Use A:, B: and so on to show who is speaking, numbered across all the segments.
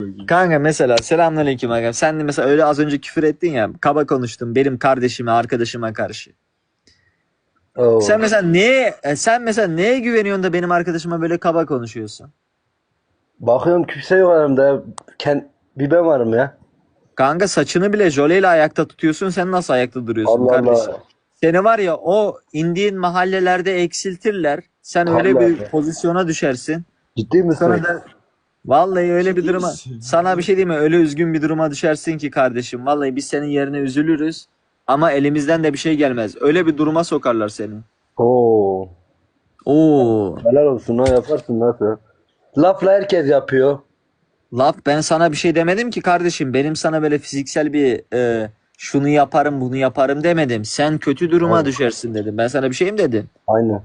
A: Kanka mesela selamünaleyküm aga. Sen de mesela öyle az önce küfür ettin ya. Kaba konuştun benim kardeşime, arkadaşıma karşı.
B: Oo.
A: Sen mesela neye güveniyorsun da benim arkadaşıma böyle kaba konuşuyorsun?
B: Bakıyorum kimse yok yanımda. Bir ben varım ya.
A: Kanka saçını bile jöleyle ayakta tutuyorsun. Sen nasıl ayakta duruyorsun
B: Allah
A: kardeşim?
B: Allah.
A: Seni var ya o indiğin mahallelerde eksiltirler. Sen öyle
B: Allah
A: bir
B: Allah.
A: pozisyona düşersin.
B: Ciddi misin?
A: Sonra da vallahi öyle bir
C: Ciddi
A: duruma
C: misin?
A: sana bir şey diyeyim mi? Öyle üzgün bir duruma düşersin ki kardeşim. Vallahi biz senin yerine üzülürüz ama elimizden de bir şey gelmez. Öyle bir duruma sokarlar seni.
B: Oo.
A: Oo.
B: Helal olsun ha, yaparsın nasıl? Lafla herkes yapıyor.
A: Laf ben sana bir şey demedim ki kardeşim. Benim sana böyle fiziksel bir şunu yaparım bunu yaparım demedim. Sen kötü duruma
B: Aynen.
A: düşersin dedim. Ben sana bir şey mi dedim?
B: Aynen.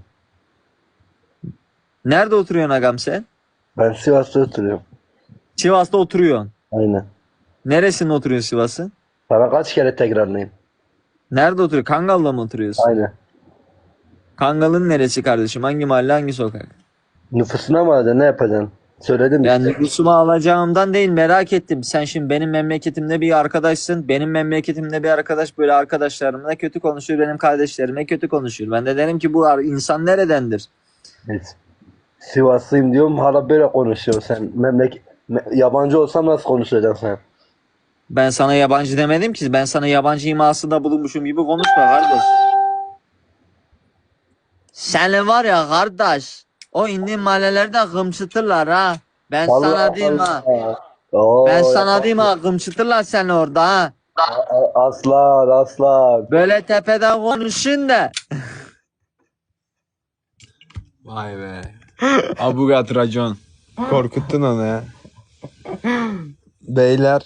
A: Nerede oturuyorsun agam sen?
B: Ben Sivas'ta oturuyorum.
A: Sivas'ta oturuyorsun.
B: Aynen.
A: Neresinde oturuyorsun Sivas'ın?
B: Sana kaç kere tekrarlayayım?
A: Nerede oturuyorsun? Kangal'da mı oturuyorsun?
B: Aynen.
A: Kangal'ın neresi kardeşim? Hangi mahalle hangi sokak?
B: Nüfusuna mı alacaksın? Ne yapacaksın? Söyledim
A: Yani
B: işte.
A: nüfusumu alacağımdan değil merak ettim. Sen şimdi benim memleketimde bir arkadaşsın. Benim memleketimde bir arkadaş böyle arkadaşlarımla kötü konuşuyor. Benim kardeşlerime kötü konuşuyor. Ben de derim ki bu insan neredendir?
B: Evet. Sivaslıyım diyorum hala böyle konuşuyor. Sen yabancı olsam nasıl konuşacaksın sen?
A: Ben sana yabancı demedim ki. Ben sana yabancı imasında bulunmuşum gibi konuşma kardeş. Seni var ya kardeş. O indiğin mahallelerde gımçıtırlar ha. Ben
B: Allah
A: sana diyeyim ha.
B: Allah.
A: Ben
B: Oo,
A: sana diyeyim ha. Gımçıtırlar seni orada ha.
B: aslan aslan.
A: Böyle tepeden konuşun da.
C: Vay be. Abugat racon. Korkuttun onu ya. Beyler.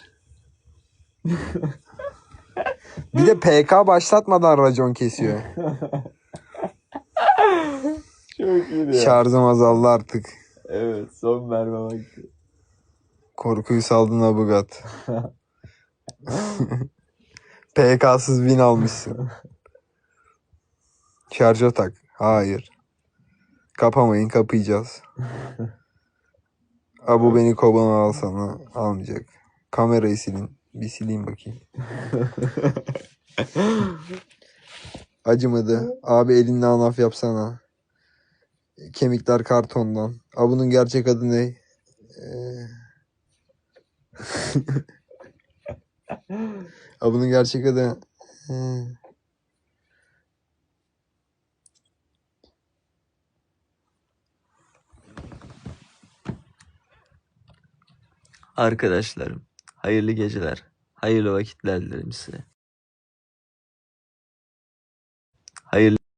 C: Bir de PK başlatmadan racon kesiyor.
A: Çok iyi ya.
C: Şarjım azaldı artık.
A: Evet son merme vakti.
C: Korkuyu saldın Abugat. PK'sız win almışsın. Şarja tak. Hayır. Kapamayın, kapayacağız. Abu beni kobana alsana. Almayacak. Kamerayı silin. Bir sileyim bakayım. Acımadı. Abi elinle anaf yapsana. Kemikler kartondan. Abu'nun gerçek adı ne? Abu'nun gerçek adı...
A: Arkadaşlarım, hayırlı geceler, hayırlı vakitler dilerim size. Hayırlı